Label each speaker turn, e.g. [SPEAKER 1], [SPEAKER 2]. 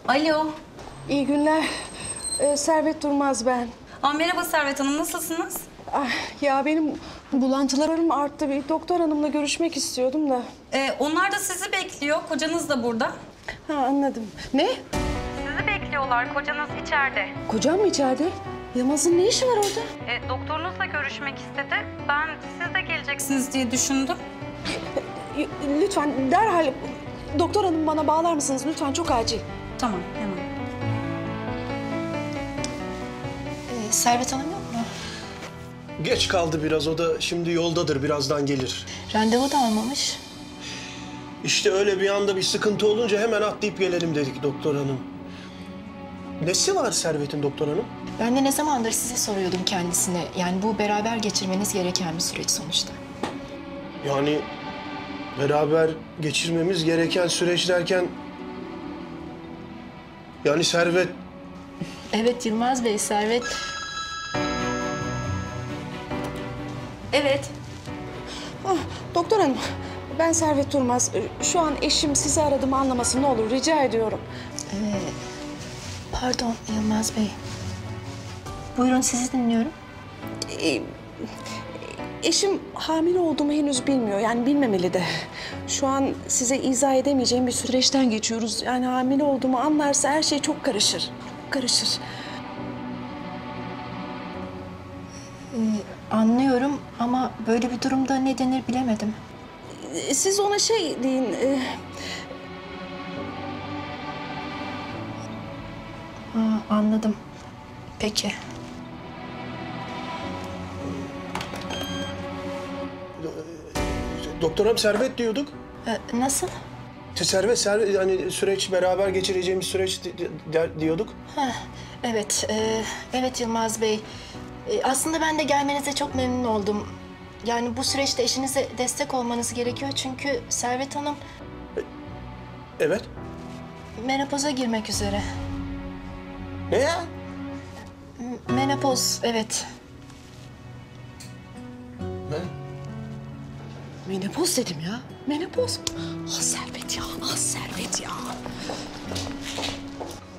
[SPEAKER 1] Alo.
[SPEAKER 2] İyi günler. Servet Durmaz ben.
[SPEAKER 1] Merhaba Servet Hanım, nasılsınız?
[SPEAKER 2] Ya benim bulantılarım arttı. Bir doktor hanımla görüşmek istiyordum da.
[SPEAKER 1] Onlar da sizi bekliyor. Kocanız da burada.
[SPEAKER 2] Ha, anladım. Ne?
[SPEAKER 1] Sizi bekliyorlar. Kocanız içeride.
[SPEAKER 2] Kocam mı içeride? Yılmaz'ın ne işi var orada?
[SPEAKER 1] Doktorunuzla görüşmek istedi. Ben siz de geleceksiniz diye düşündüm.
[SPEAKER 2] Lütfen derhal doktor hanım bana bağlar mısınız? Lütfen, çok acil.
[SPEAKER 1] Tamam, hemen.
[SPEAKER 3] Servet Hanım yok mu?
[SPEAKER 4] Geç kaldı biraz, o da şimdi yoldadır, birazdan gelir.
[SPEAKER 3] Randevu da almamış.
[SPEAKER 4] İşte öyle bir anda bir sıkıntı olunca hemen atlayıp gelelim dedik doktor hanım. Nesi var Servet'in doktor hanım?
[SPEAKER 3] Ben de ne zamandır size soruyordum kendisine. Yani bu beraber geçirmeniz gereken bir süreç sonuçta.
[SPEAKER 4] Yani beraber geçirmemiz gereken süreç derken... Yani Servet...
[SPEAKER 3] Evet Yılmaz Bey, Servet... Evet.
[SPEAKER 2] Doktor hanım, ben Servet Durmaz. Şu an eşim sizi aradığımı anlamasın, ne olur, rica ediyorum.
[SPEAKER 3] Pardon Yılmaz Bey. Buyurun, sizi dinliyorum.
[SPEAKER 2] Eşim hamile olduğumu henüz bilmiyor. Yani bilmemeli de. Şu an size izah edemeyeceğim bir süreçten geçiyoruz. Yani hamile olduğumu anlarsa her şey çok karışır. Karışır.
[SPEAKER 3] Anlıyorum ama böyle bir durumda ne denir bilemedim.
[SPEAKER 2] Siz ona şey deyin.
[SPEAKER 3] Anladım. Peki.
[SPEAKER 4] Doktor hanım Servet diyorduk.
[SPEAKER 3] Nasıl?
[SPEAKER 4] Servet yani süreç, beraber geçireceğimiz süreç diyorduk.
[SPEAKER 3] Evet, evet Yılmaz Bey. Aslında ben de gelmenize çok memnun oldum. Yani bu süreçte eşinize destek olmanız gerekiyor çünkü Servet Hanım
[SPEAKER 4] Evet.
[SPEAKER 3] menopoza girmek üzere.
[SPEAKER 4] Ne ya?
[SPEAKER 3] Menopoz, evet.
[SPEAKER 4] Ne?
[SPEAKER 2] Menopoz dedim ya. Menopoz. Ah Servet ya, ah Servet ya.